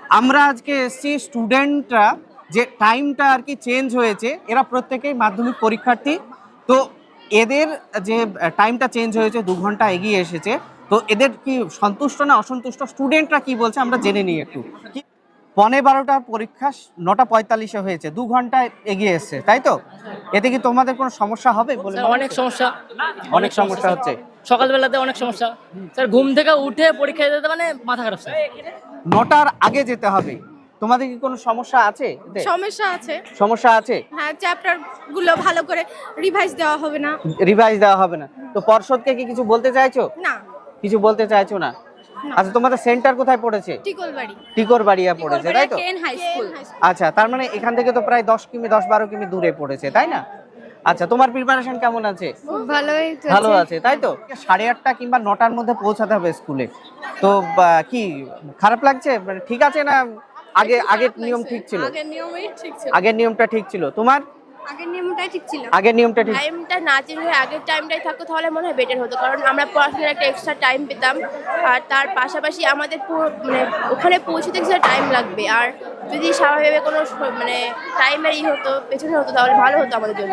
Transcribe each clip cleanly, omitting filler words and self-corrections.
আমরা আজকে এসেছি স্টুডেন্টরা যে টাইমটা আর কি চেঞ্জ হয়েছে, এরা প্রত্যেকেই মাধ্যমিক পরীক্ষার্থী। তো এদের যে টাইমটা চেঞ্জ হয়েছে, 2 ঘন্টা এগিয়ে এসেছে, তো এদের কি সন্তুষ্ট না অসন্তুষ্ট, স্টুডেন্টরা কি বলছে আমরা জেনে নিই একটু। 12:15টার পরীক্ষা 9:45-এ হয়েছে, 2 ঘন্টা এগিয়ে এসছে, তাই তো? এতে কি তোমাদের কোনো সমস্যা হবে বলে? অনেক সমস্যা, অনেক সমস্যা হচ্ছে। সকালবেলাতে অনেক সমস্যা স্যার, ঘুম থেকে উঠে পরীক্ষা দিতে মানে মাথা খারাপ স্যার। 9টার আগে যেতে হবে, তোমাদের কি কোনো সমস্যা আছে? সমস্যা আছে, সমস্যা আছে। হ্যাঁ, চ্যাপ্টার গুলো ভালো করে রিভাইজ দেওয়া হবে না। রিভাইজ দেওয়া হবে না, তো পর্ষদকে কি কিছু বলতে চাইছো? না, কিছু বলতে চাইছো না? আচ্ছা, তোমাদের সেন্টার কোথায় পড়েছে? টিকলবাড়ি। টিকরবাড়িয়া পড়েছে, তাই তো? কেন হাই স্কুল। আচ্ছা, তার মানে এখান থেকে তো প্রায় 10-12 কিমি দূরে পড়েছে, তাই না? আচ্ছা, তোমার প্রিপারেশন কেমন আছে? ভালোই ভালো আছে, তাই তো? 8:30 কিংবা 9টার মধ্যে পৌঁছাতে হবে স্কুলে। তো কি খারাপ লাগছে, মানে ঠিক আছে না? আগের নিয়ম ঠিক ছিল? আগের নিয়মই ঠিক ছিল। আগের নিয়মটা ঠিক ছিল। তোমার আগের নিয়মটাই ঠিক ছিল। আগের নিয়মটা ঠিক। টাইমটা না চেঞ্জ হয়ে আগের টাইমটাই থাকতো তাহলে মনে হয় বেটার হতো, কারণ আমরা পড়াশোনার একটা এক্সট্রা টাইম পেতাম। আর তার পাশাপাশি আমাদের মানে ওখানে পৌঁছতে কিছুটা টাইম লাগবে, আর যদি স্বাভাবিকভাবে কোনো মানে টাইমের হতো পেছনে হতো তাহলে ভালো হতো আমাদের জন্য।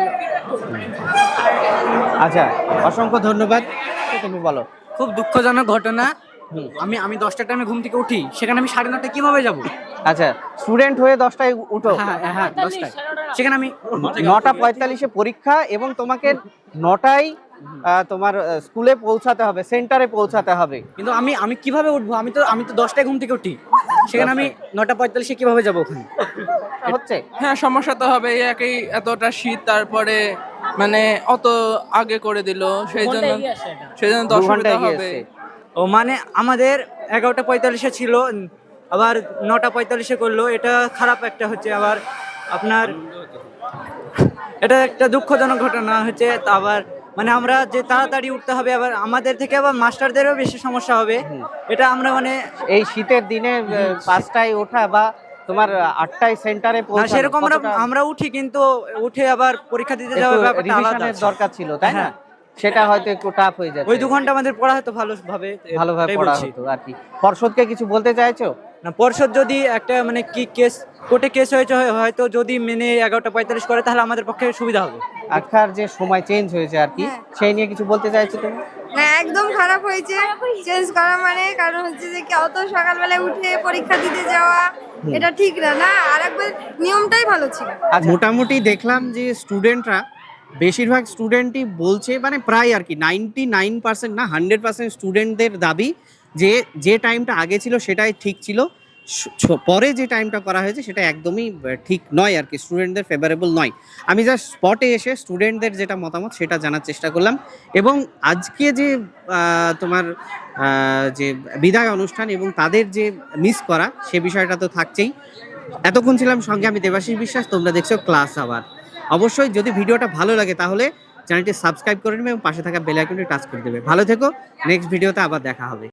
আচ্ছা, অসংখ্য ধন্যবাদ। তুমি বলো। খুব দুঃখজনক ঘটনা। আমি 10টার টাইমে ঘুম থেকে উঠি, সেখানে আমি 9:30 কিভাবে যাব? আচ্ছা, স্টুডেন্ট হয়ে 10টায় উঠো। হ্যাঁ 10টায়, সেখানে আমি 9:45-এ পরীক্ষা এবং তোমাকে 9টায় তোমার স্কুলে পৌঁছাতে হবে, সেন্টারে পৌঁছাতে হবে। কিন্তু আমি কিভাবে উঠবো? আমি তো 10টায় ঘুম থেকে উঠি, সেখানে আমি 9:45-এ কিভাবে যাব ওখানে? হচ্ছে। হ্যাঁ, সমস্যা তো হবে। একই এতটা শীত, তারপরে মানে অত আগে করে দিল, সেই জন্য 2 ঘন্টা অসুবিধা এগিয়ে হবে। এসছে। ও মানে আমাদের 11:45-এ ছিল, আবার 9:45-এ করলো, এটা খারাপ একটা হচ্ছে। আবার আপনার এটা একটা দুঃখজনক ঘটনা হচ্ছে। আবার মানে আমরা যে তাড়াতাড়ি উঠতে হবে, আবার আমাদের থেকে আবার মাস্টারদেরও বেশি সমস্যা হবে। এটা আমরা মানে এই শীতের দিনে 5টায় ওঠা বা তোমার 8টায় সেন্টারে না, পৌঁছানো, সেরকম কতটা আমরা উঠি, কিন্তু উঠে আবার পরীক্ষা দিতে যাওয়ার একটু ব্যাপারটা আলাদা রিভিশনের আছে। দরকার ছিল, তাই না? হ্যাঁ। সেটা হয়তো একটু টাফ হয়ে যাচ্ছে। ওই 2 ঘন্টা আমাদের পড়া হতো ভালোভাবে এটাই পড়া বলছি। হতো আর কি। পর্ষদকে কিছু বলতে চাইছো? না, পর্ষদ যদি একটা মানে কি কেস, কোর্টে কেস হয়েছে, হয়তো যদি মেনে 11:45 করে তাহলে আমাদের পক্ষে সুবিধা হবে। আজকার যে সময় চেঞ্জ হয়েছে আর কি, সেই নিয়ে কিছু বলতে চাইছো তুমি? হ্যাঁ, একদম খারাপ হয়েছে চেঞ্জ করা, মানে কারণ হচ্ছে যে কি অত সকালবেলায় উঠে পরীক্ষা দিতে যাওয়া এটা ঠিক না। না, আরেকবার নিয়মটাই ভালো ছিল। মোটামুটি দেখলাম যে স্টুডেন্টরা, বেশিরভাগ স্টুডেন্টই বলছে, মানে প্রায় আর কি 99% না 100% স্টুডেন্টদের দাবি যে যে টাইমটা আগে ছিল সেটাই ঠিক ছিল, পরে যে টাইমটা করা হয়েছে সেটা একদমই ঠিক নয় আর কি, স্টুডেন্টদের ফেভারেবল নয়। আমি জাস্ট স্পটে এসে স্টুডেন্টদের যেটা মতামত সেটা জানার চেষ্টা করলাম। এবং আজকে যে তোমার যে বিদায় অনুষ্ঠান এবং তাদের যে মিস করা, সে বিষয়টা তো থাকছেই। এতক্ষণ ছিলাম সঙ্গে আমি দেবাশিস বিশ্বাস, তোমরা দেখছো ক্লাস আওয়ার। অবশ্যই যদি ভিডিওটা ভালো লাগে তাহলে চ্যানেলটি সাবস্ক্রাইব করে নেবে এবং পাশে থাকা বেল আইকনটি টাচ করে দেবে। ভালো থেকো, নেক্সট ভিডিওতে আবার দেখা হবে।